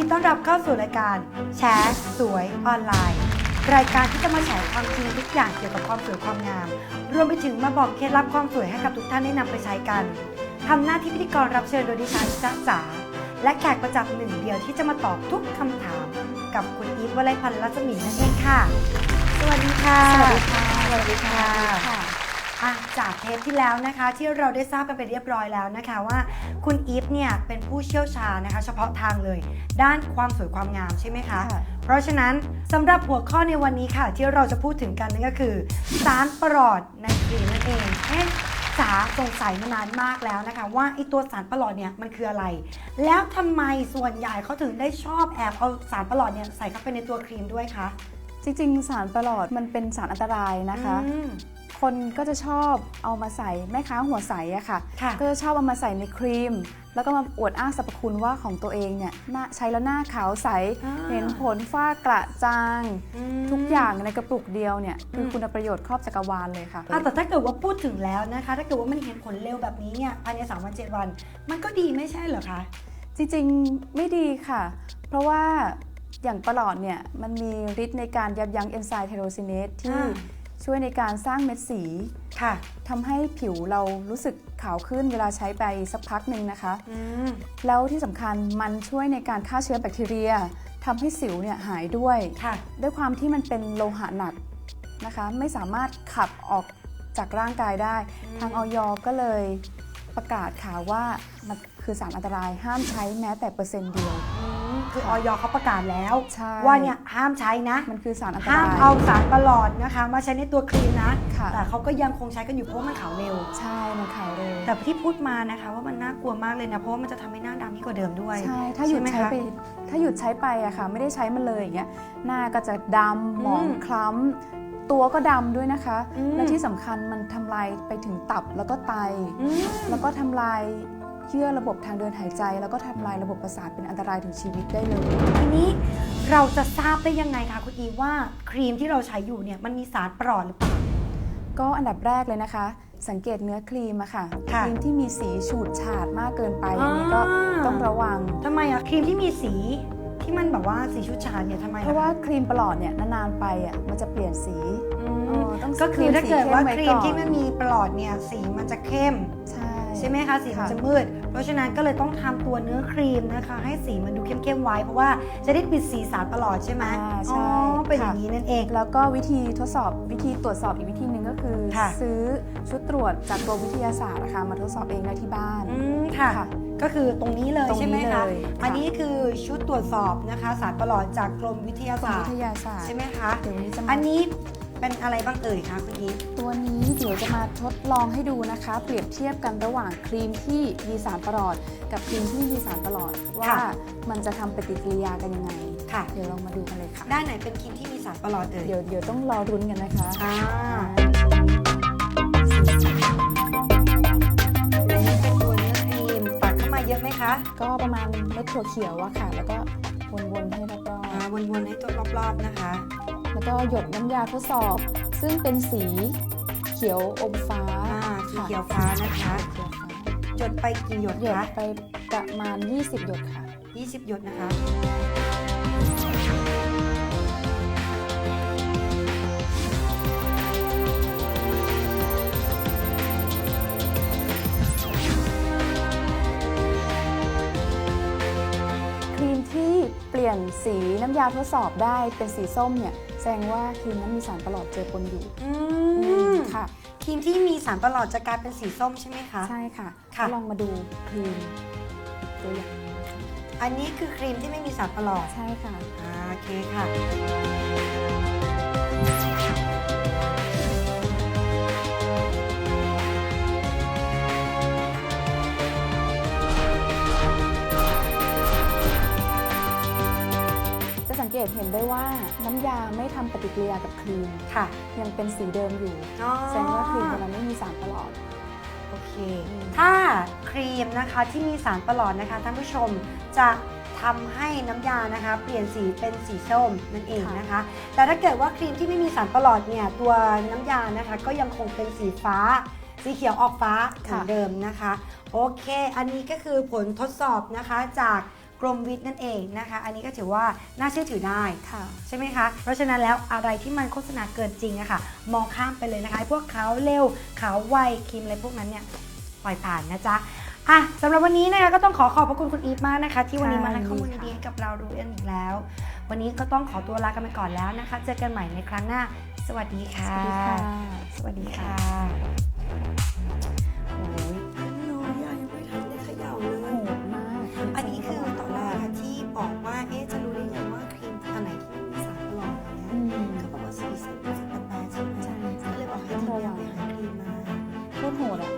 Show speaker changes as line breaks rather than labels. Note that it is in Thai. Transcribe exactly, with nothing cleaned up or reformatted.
ต้อนรับเข้าสู่รายการแชร์สวยออนไลน์รายการที่จะมาแชร์ความจริงทุกอย่างเกี่ยวกับความสวยความงามรวมไปถึงมาบอกเคล็ดลับความสวยให้กับทุกท่านได้นำไปใช้กันทำหน้าที่พิธีกรรับเชิญโดยดิฉันจ๊ะจ๋าและแขกประจำหนึ่งเดียวที่จะมาตอบทุกคำถามกับคุณอีฟวลัยพันธ์รัศมีนั่นเองค่ะสวัสดีค่ะ
สวัสดีค่ะ
สวัสดีค่ะจากเทปที่แล้วนะคะที่เราได้ทราบกันไปเรียบร้อยแล้วนะคะว่าคุณอีฟเนี่ยเป็นผู้เชี่ยวชาญนะคะเฉพาะทางเลยด้านความสวยความงามใช่ไหมคะเพราะฉะนั้นสำหรับหัวข้อในวันนี้ค่ะที่เราจะพูดถึงกันนั่นก็คือสารประหลอดในครีมนั่นเองเอ๊ะจ๋าสงสัยมานานมากแล้วนะคะว่าไอตัวสารประหลอดเนี่ยมันคืออะไรแล้วทำไมส่วนใหญ่เขาถึงได้ชอบแอบเอาสารประหลอดเนี่ยใส่เข้าไปในตัวครีมด้วยคะ
จริงๆสารประหลอดมันเป็นสารอันตรายนะคะคนก็จะชอบเอามาใส่แม่ค้าหัวใสอะค่ะก็จะชอบเอามาใส่ในครีมแล้วก็มาอวดอ้างสรรพคุณว่าของตัวเองเนี่ยใช้แล้วหน้าขาวใสเห็นผลฝ้ากระจางทุกอย่างในกระปุกเดียวเนี่ยคือคุณประโยชน์ครอบจักรวาลเลยค่ะ
แต่ถ้าเกิดว่าพูดถึงแล้วนะคะถ้าเกิดว่ามันเห็นผลเร็วแบบนี้เนี่ยภายในสามวันเจ็ดวันมันก็ดีไม่ใช่เหรอคะ
จริงๆไม่ดีค่ะเพราะว่าอย่างประหลอดเนี่ยมันมีฤทธิ์ในการยับยั้งเอนไซม์ไทโรซิเนสที่ช่วยในการสร้างเม็ดสี
ค่ะ
ทำให้ผิวเรารู้สึกขาวขึ้นเวลาใช้ไปสักพักหนึ่งนะคะแล้วที่สำคัญมันช่วยในการฆ่าเชื้อแบคทีเรียทำให้สิวเนี่ยหายด้วยด้วยความที่มันเป็นโลหะหนักนะคะไม่สามารถขับออกจากร่างกายได้ทางอย.ก็เลยประกาศข่าวว่ามันคือสารอันตรายห้ามใช้แม้แต่เปอร์เซ็นต์เดียว
คืออย.เขาประกาศแล้วว่าเนี่ยห้ามใช้นะ
มันคือสารอันตราย
ห้ามเอาสารประหลอดนะคะมาใช้ในตัวครีมนะแต่เขาก็ยังคงใช้กันอยู่เพราะมันขาวเร็ว
ใช่มันขาวเร็ว
แต่ที่พูดมานะคะว่ามันน่ากลัวมากเลยนะเพราะว่ามันจะทำให้หน้าดำยิ่งกว่าเดิมด้วย
ใช่ถ้าหยุดใช้ไปถ้าหยุดใช้ไปอะค่ะไม่ได้ใช้มันเลยอย่างเงี้ยหน้าก็จะดำหมองคล้ำตัวก็ดำด้วยนะคะและที่สำคัญมันทำลายไปถึงตับแล้วก็ไตแล้วก็ทำลายเยื่อระบบทางเดินหายใจแล้วก็ทำลายระบบประสาทเป็นอันตรายถึงชีวิตได้เลย
ทีนี้เราจะทราบได้ยังไงคะคุณอีว่าครีมที่เราใช้อยู่เนี่ยมันมีสารประหลอดหรือเปล่า
ก็อันดับแรกเลยนะคะสังเกตเนื้อครีมอะค่ะครีมที่มีสีฉูดฉาดมากเกินไปอันนี้ก็ต้องระวัง
ทำไมอะครีมที่มีสีที่มันแบบว่าสีฉูดฉาดเนี่ยทำไม
เพราะว่าครีมประหลอดเนี่ยนานๆไปอะมันจะเปลี่ยนสี
ก็คือถ้าเกิดว่าครีมที่ไม่มีประหลอดเนี่ยสีมันจะเข้มใช่ใช่ไหมคะสีมันจะมืดเพราะฉะนั้นก็เลยต้องทำตัวเนื้อครีมนะคะให้สีมันดูเข้มๆไว้เพราะว่าจะได้ปิดสีสารประหลอดใช่ไหม
ใช่
เป็นอย่างนี้นั่นเอง
แล้วก็วิธีทดสอบวิธีตรวจสอบอีกวิธีหนึ่งก็คือซื้อชุดตรวจจากตัววิทยาศาสตร์นะคะมาทดสอบเองได้ที่บ้าน
ค่ะก็คือตรงนี้เลยใช่ไหมคะอันนี้คือชุดตรวจสอบนะคะสารประหลอดจากกรมวิทยาศาสตร์ใช่ไหมคะอันนี้เป็นอะไรบ้างเอ่ยคะคุณอีฟ
ตัวนี้เดี๋ยวจะมาทดลองให้ดูนะคะเปรียบเทียบกันระหว่างครีมที่มีสารประหลอดกับครีมที่มีสารประหลอดว่ามันจะทำปฏิกิริยากันยังไง
ค่ะ
เดี๋ยวลองมาดูกันเลยค่ะ
ด้านไหนเป็นครีมที่มีสารประหลอดเอ่ย
เดี๋ยวเดี๋ยวต้องรอรุ้นกันนะคะ
อ่าเป็นตัวเนื้อครีมตักเข้ามาเยอะไหมคะ
ก็ประมาณเม็ดถั่วเขียวอะค่ะแล้วก็วนๆให้รอบ
ๆวนๆให้ตัวรอบๆนะคะ
แล้วก็หยดน้ำยาทดสอบซึ่งเป็นสีเขียวอมฟ้า
สีเขียวฟ้านะคะหยดไปกี่หยดคะ
หยดไปประมาณยี่สิบหยดค่ะ
ยี่สิบหยดนะคะ
ครีมที่เปลี่ยนสีน้ำยาทดสอบได้เป็นสีส้มเนี่ยแสดงว่าครีมนั้นมีสารประหลอดเจือปนอยู่
ค่ะครีมที่มีสารประหลอดจะกลายเป็นสีส้มใช่ไหมคะ
ใช่ค่ะก็ลองมาดูครีมตัวอย่าง
อันนี้คือครีมที่ไม่มีสารประหลอด
ใช่ค่ะ
โอเคค่ะ
สังเกตเห็นได้ว่าน้ำยาไม่ทำปฏิกิริยากับครีม
ค่ะ
ยังเป็นสีเดิมอยู่แสดงว่าครีมตัวนั้นไม่มีสารประหลอด
โอเคถ้าครีมนะคะที่มีสารประหลอดนะคะท่านผู้ชมจะทำให้น้ำยานะคะเปลี่ยนสีเป็นสีส้มนั่นเองนะคะแต่ถ้าเกิดว่าครีมที่ไม่มีสารประหลอดเนี่ยตัวน้ำยานะคะก็ยังคงเป็นสีฟ้าสีเขียวออกฟ้าเหมือนเดิมนะคะโอเคอันนี้ก็คือผลทดสอบนะคะจากกรมวิทย์นั่นเองนะคะ อันนี้ก็ถือว่าน่าเชื่อถือได้
ค่ะ
ใช่ไหมคะเพราะฉะนั้นแล้วอะไรที่มันโฆษณาเกินจริงอะค่ะมองข้ามไปเลยนะคะไอ้พวกขาวเร็วขาวไวครีมอะไรพวกนั้นเนี่ยปล่อยผ่านนะจ๊ะอ่ะสำหรับวันนี้นะคะก็ต้องขอขอบพระคุณคุณอีฟมากนะคะ ที่วันนี้มาให้ข้อมูลดีๆให้กับเรารู้กันอีกแล้ว วันนี้ก็ต้องขอตัวลากันไปก่อนแล้วนะคะ เจอกันใหม่ในครั้งหน้าสวัสดีค่ะ
สวัสดีค่ะ
สวัสดีค่ะโอ้ยน้อยยังไม่ทันได้เขย่าเลย
โหดมาก
อันนี้คือตอนแรกอะที่บอกว่าเอ๊ะจะรู้ได้ไงว่าครีมอันไหนที่มีสารปลอมอะไร
อื
เงี้ย
ม
ก็บอกว่าสีสิบสิบแปดใช่ไหม
ใช่
ก็เลยบอกให้ทีมงานไปหาครีมมา
โคตรโหดอ่ะ